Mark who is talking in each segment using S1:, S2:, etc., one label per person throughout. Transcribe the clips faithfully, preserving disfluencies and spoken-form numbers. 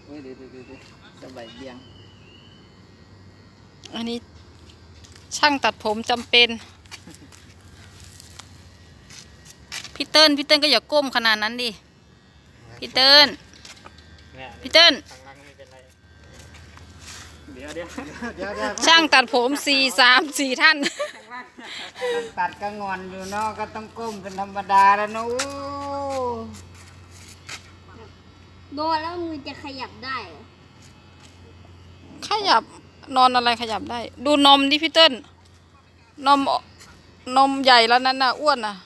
S1: เว้ยเดี๋ยวเดี๋ยวเดี๋ยวสบายเบียง
S2: อันนี้ช่างตัดผมจำเป็นพี่เติ้ลพี่เติ้ลก็อย่าก้มขนาดนั้นดิพี่เติ้ลพี่เติ้ล
S1: เดี๋ยวเดี๋ยวเดี๋ยวเดี๋ยว
S2: ช่างตัดผมสี่สามสี่ท่าน
S1: ตัดก็งอนอยู่เนาะก็ต้องก้มเป็นธรรมดาแล้วเนาะ
S3: โดนแล้วมือจะขยับได้เหรอ
S2: ขยับนอนอะไรขยับได้ดูนมดิพี่เติ้ลนมนมใหญ่แล้วนั้นน่ะอ้วนน่ะ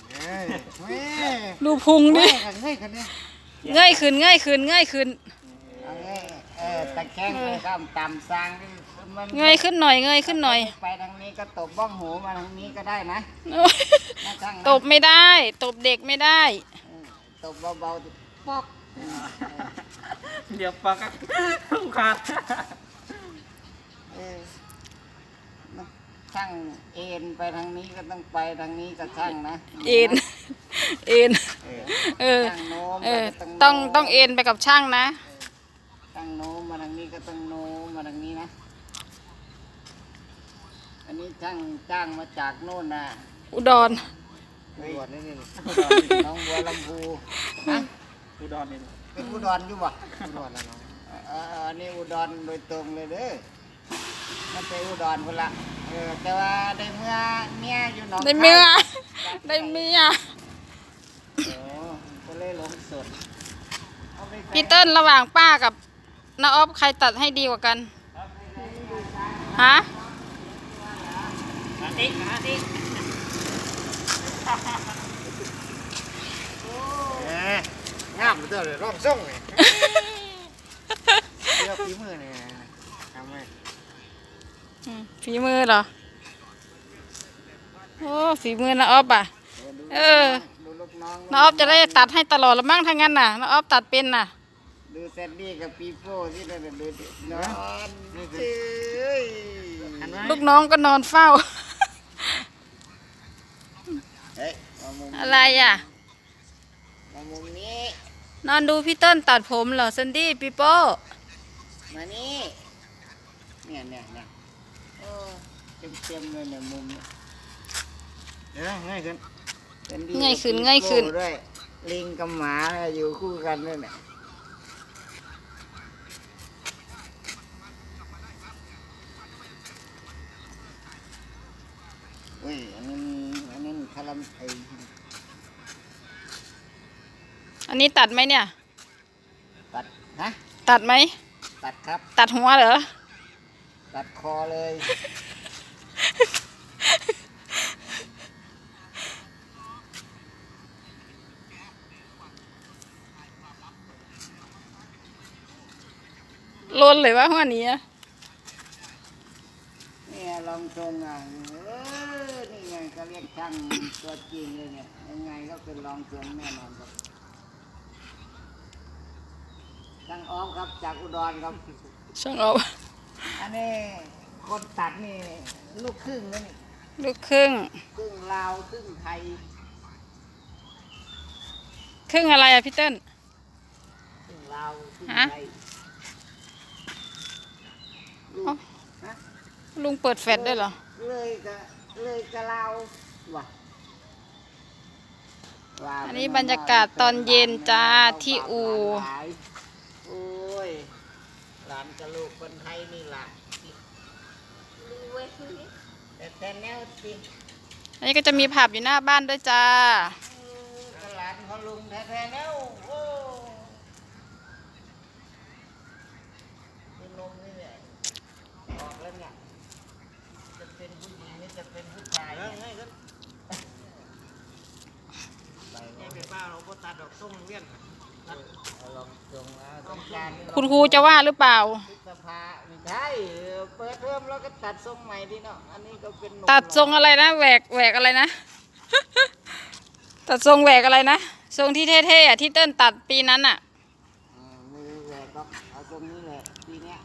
S2: ดูพุงดิเงยขึ้นเงยขึ้นเงยขึ้น
S1: เออตะแคงไปก็ต่ำซาง
S2: เงยขึ้นหน่อยเงยขึ้นหน่อย
S1: ไปทางนี้ก็ตบบ้องหูมาทางนี้ก็ได้นะ
S2: ตบไม่ได้ตบเด็กไม่ได้
S1: ตบเบาๆ
S3: ปอก
S1: เดี๋ยวปากขาดช่างเอ็นไปทางนี้ก็ต้องไปทางนี้ก็ช่างนะ
S2: เอ็นเอ็นเออเออต้องต้องเอ็นไปกับช่างนะ
S1: ช่างโน้มมาทางนี้ก็ต้องโน้มมาทางนี้นะอันนี้ช่างจ้างมาจากโน่นนะ
S2: อุดร
S1: อุดรนี่นี่น้องบัวลำพูนะอุดรนี่เป็นอุดรอยู่บ่อุดรแล้วน้องอันนี้อุดรโดยตรงเลยเด้อไม่ใช่อุดรคนละเออแต่ว่าได้เมื่อเมียอยู่หนอง
S2: ได้เมื่อได้เมีย
S1: โอ้ก็เลยหลงสด
S2: พี่เติ้ลระหว่างป้ากับน้าอ๊อฟใครตัดให้ดีกว่ากันฮะ
S1: อาทิอาทิงามเด้อเลยร่องส่งเลยเรียกฝีมือเนี่ยทำไม
S2: ฝีมือเหรอโอ้ฝีมือน้าอ๊อฟอ่ะเออน้าอ๊อฟจะได้ตัดให้ตลอดละมั้งถ้างั้นน่ะน้าอ๊อฟตัดเป็นน่ะ
S1: ดูเซนดี้กับปีโป้ที่เราดูนอนเฉย
S2: ลูกน้องก็นอนเฝ้าอะไรอ่ะ
S1: มามุมนี้
S2: นอนดูพี่เติ้ลตัดผมเหรอเซนดี้ปีโป้
S1: มานี่เนี่ยเนี่ยเนี่ยโอ้เต็มเต็มเลยเนี่ยมุมเดี๋ยวง่ายขึ้น
S2: ง่ายขึ้นง่ายขึ้น
S1: ด้วยลิงกับหมาอยู่คู่กันด้วยเนี่ยเฮ้ยอันนี้อันนี้คาราเมล
S2: อันนี้ตัดไหมเนี่ย
S1: ตัดฮะ
S2: ตัดไหม
S1: ตัดครับ
S2: ตัดหัวเหรอ
S1: ตัดคอเลย
S2: ลนเลยว่าหัวนี้
S1: เนี่ยลองทรงอ่ะเออนี่ไงก็เรียกช่างตัวจริงเลยเนี่ยยังไงก็เป็นลองทรงแน่นอนครับช่างอ้อมครับจากอุดรครับ
S2: ช่างอ้อม
S1: อันนี้คนตัดนี่ลูกครึ่งเลยนี่
S2: ลูกครึ่ง
S1: ครึ่งลาวครึ่งไทย
S2: ครึ่งอะไรอะพี่เติ้ล
S1: ครึ่งลาวครึ่งไทย
S2: ลุงเปิดแฟลชได้เหรอ
S1: เลยกะเลยกะลาวว่ะ
S2: อันนี้บรรยากาศตอนเย็นจ้าที่อู่
S1: โอ้ยหลานกะลูกคนไทยนี่ล่ะแต่แต่แนวสิ
S2: อันนี้ก็จะมีผับอยู่หน้าบ้านด้วยจ้า
S1: หลานเขาลุงแท้ๆแล้วโอ้นมนี่แหละออกแล้วเนี่ยจะเป็นผู้หญิงนี่จะเป็นผู้ชายง่ายขึ้นไปง่ายเป็นป้าเราก็ตัดดอกส้มเวียนลองจงแล้วต้องการ
S2: คุณครูจะว่าหรือเปล่า
S1: สภาไม่ใช่เปิดเทอมแล้วก็ตัดทรงใหม่ดีเนาะอันนี้ก็เป็น
S2: ตัดทรงอะไรนะแหวกแหวกอะไรนะตัดทรงแหวกอะไรนะทรงที่เท่ๆอ่ะที่เติ้ลตัดปีนั้นอ่ะ
S1: มือแหวกก็เอาทรงนี้แหละปีเนี้ย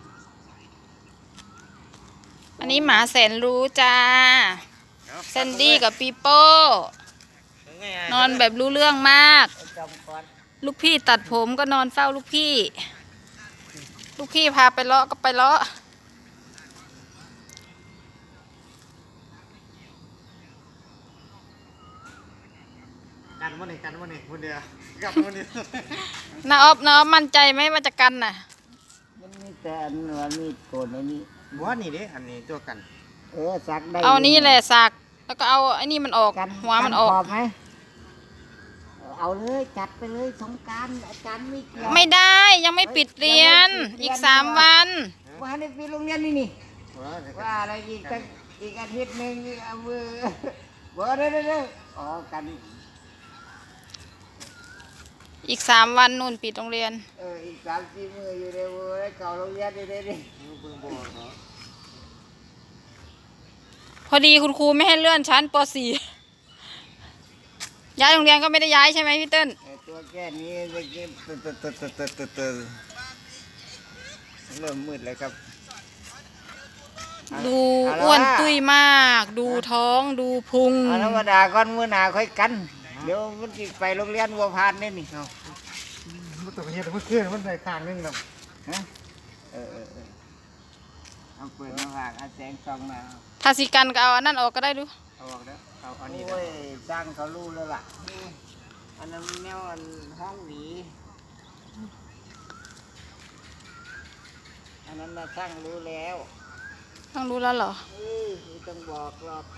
S2: อันนี้หมาแสนรู้จ้าแซนดี้กับปีโป้นอนแบบรู้เรื่องมากลูกพี่ตัดผมก็นอนเฝ้าลูกพี่ลูกพี่พาไปเลาะก็ไปเลาะ
S1: กันวันนี้กันวันนี้คนเดียวกับวันนี้
S2: นาออฟนาออฟมั่นใจไหมว่าจะกันน่ะ
S1: มันมีแต่อันว่ามีดโกนอันนี้
S4: บัวนี่เด้อันนี้ตัวกัน
S1: เออสักได้
S2: เอานี้แหละสักแล้วก็เอาไอ้นี่มันออก
S1: กัน
S2: หัวมันออก
S1: ขอบไหมเอาเลยจัดไปเลยสงกรารอาจารย์ไม่เกี่ยว
S2: ไม่ได้ยังไม่ปิดเรียน อีกสามวัน
S1: ว่าในปีโรงเรียนนี่นี่ว่าอะไรอีกตั้งอีกอาทิตย์หนึ่งเอามือบ่ได้ได้ได้อ๋อกัน
S2: อีกสามวันนู่นปิดโรงเรียน
S1: เอออีกสามสี่มืออยู่ในมือเก่าโรงเรียนนี่ได้ดิ
S2: พอดีคุณครูไม่ให้เลื่อนชั้นป .สี่ ย้ายโรงเรียนก็ไม่ได้ย้ายใช่ไหมพี่เติ้ล
S1: เออตัวแค่นี้จะกินตึ๊ดตึ๊ดตึ๊ดตึ๊ดตึ๊ดตึ๊ดตึ๊ดเริ่มมืดแล้วครับ
S2: ดูอ้วนตุ้ยมาก ดูท้องดูพุง
S1: เอาธรรมดาก่อนมื้อหน้าค่อยกัน เดี๋ยวมันสิไปโรงเรียนบัวพานนี่นี่
S4: มันตัวเฮ็ดมันเคลื่อนมันได้ข้างนึงครับ
S1: ฮะเออเออเออเอาเปิดมาฝากเอาแสงส่องมา
S2: ถ้าสิกันก็เอาอันนั้นออกก็ได้ดู
S4: เอาออกแล้วเอาอันนี้
S1: โอ้ยสร้างเขารู้แล้วล่ะอันนั้นแนวอันห้องหวีอันนั้นน่ะช่างรู้แล้ว
S2: ต้องรู้แล้วเหรอ
S1: เอ้ยไม่ต้องบอกหรอก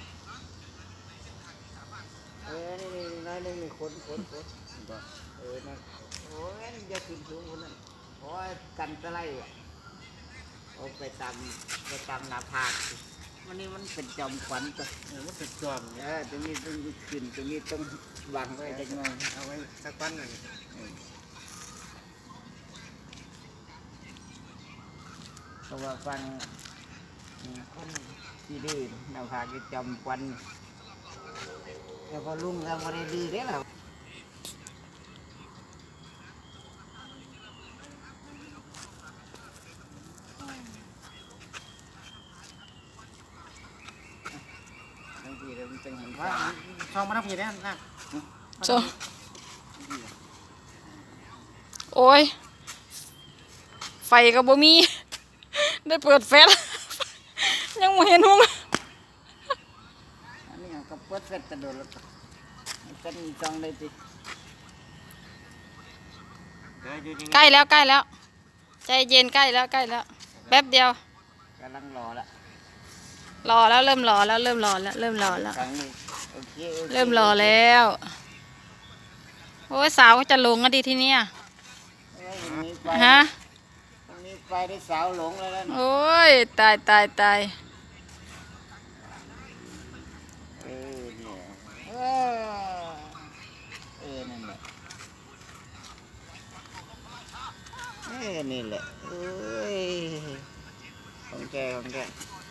S1: เออนี่นี่น้อยหนึงนี่ขนขนขนเออนะโอ้ยมันจะขึ้นสูงคนนั้นโอ้ยกันตะไลอ่ะเอาไปตามไปตามหน้าผากสิวันนี้มันเป็นจอมขวัญตัว
S4: เออมันเป็นจอม
S1: เออตรงนี้ต้องขึ้นตรงนี้ต้องวางไว้จังหน่อย
S4: เอาไว้สักวันหนึ่ง
S1: เพราะว่าฟังคนที่ดื้อหน้าผากจะจอมขวัญแล้วพอลุงทำอะไรดื้อได้หรอบางทีเราเป็นเห็น
S4: ว่า
S1: ว่า
S4: ช่องมาทับผีได้นะ
S2: โจโอ้ย ไฟก็บ่มี ได้เปิดแฟลช ยังไม่เห็นหุง
S1: อันนี้ก็เปิดเสร็จกระโดดแล้วก็เป็นจองเลยสิ
S4: เดี๋ยวอยู่นี่
S2: ใกล้แล้วใกล้แล้ว ใจเย็นใกล้แล้วใกล้แล้ว แป๊บเดียว
S1: กำลังรอละ
S2: รอแล้วเริ่มรอแล้วเริ่มรอแล้วเริ่มรอแล้ว
S1: ครั้งนี้โอเคโอค
S2: เริ่มรอแล้ว โอ้ยสาวก็จะหลงอะดีทีเนี้ย
S1: เอ้ยอย่างนี้ไป
S2: ฮะ
S1: ตรงนี้ไปได้สาวหลงแล้วนะ
S2: โอ้ยตายตายตาย
S1: เออเนี่ยเออเออนั่นแหละเออนี่แหละเอ้ยของแกของแก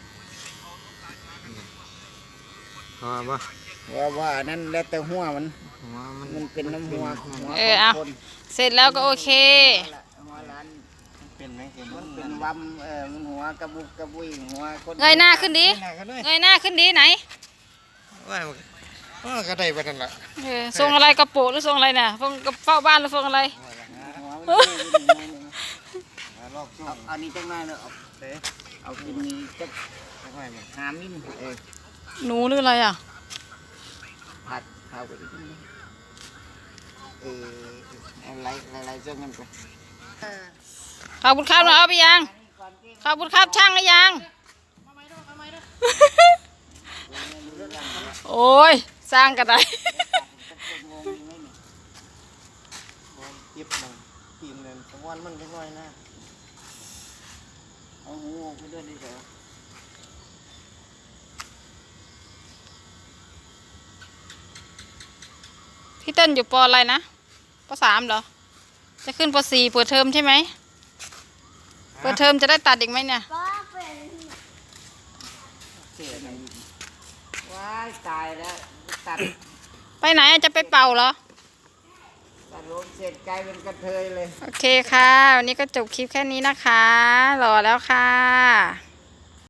S4: พอป่ะ
S1: ว่าว่าอันนั้นแล้วแต่หัวมัน
S4: หัวมัน
S1: มันเป็นน้ำหัวหัว
S2: เออเอา
S1: คน
S2: เสร็จแล้วก็โอเค
S1: หัวร้าน
S4: เป็นไหมเห็น
S1: มันเป็นวัมเออมันหัวกระบุกกระบุยหัวคน
S2: เงยหน้าขึ้นดิ
S4: หน้ากันด้วย
S2: เงยหน้าขึ้นดิไหน
S4: ว่ามันก็ได้ไปนั่นแหละ
S2: เออทรงอะไรกระโปรงหรือทรงอะไรเนี่ยทรงกระเป๋าบ้านหรือทรงอะไร
S1: หัวมันเป็นอย่างนี้นะ
S4: รอบช่ว
S1: เอา
S4: ง
S1: เอานี้จังหน่อยเนอะเอา
S4: เต้
S1: เอากินนี้จัก
S4: ไม่ค่อยมัน
S1: หามินเออ
S2: หนูหรืออะไรอ่ะ
S1: ผัดข้าวไปอีกนิดเอออะไรอะไรๆจังกันไป
S2: ขอบคุณครับนะเอาไปยัง ขอบคุณครับช่างหรือยัง โอ้ย สร้างกันได้
S4: เก็บมันทีมเนี่ยสักวันมันเล็กน้อยนะ
S1: เอาหูออกไปด้วยดิเถอะ
S2: พี่เต้นอยู่ปออะไรนะปสามเหรอ จะขึ้นปสี่เปิดเทอมใช่ไหม เปิดเทอมจะได้ตัดอีกไหมเนี่ย
S3: ป้าเป็น
S1: เสียไหนว้ายตายแล้วตัด
S2: ไปไหนอะจะไปเป่าเหรอ
S1: ตัดลมเสร็จกลายเป็นกระเทยเลย
S2: โอเคค่ะ วันนี้ก็จบคลิปแค่นี้นะคะ รอแล้วค่ะ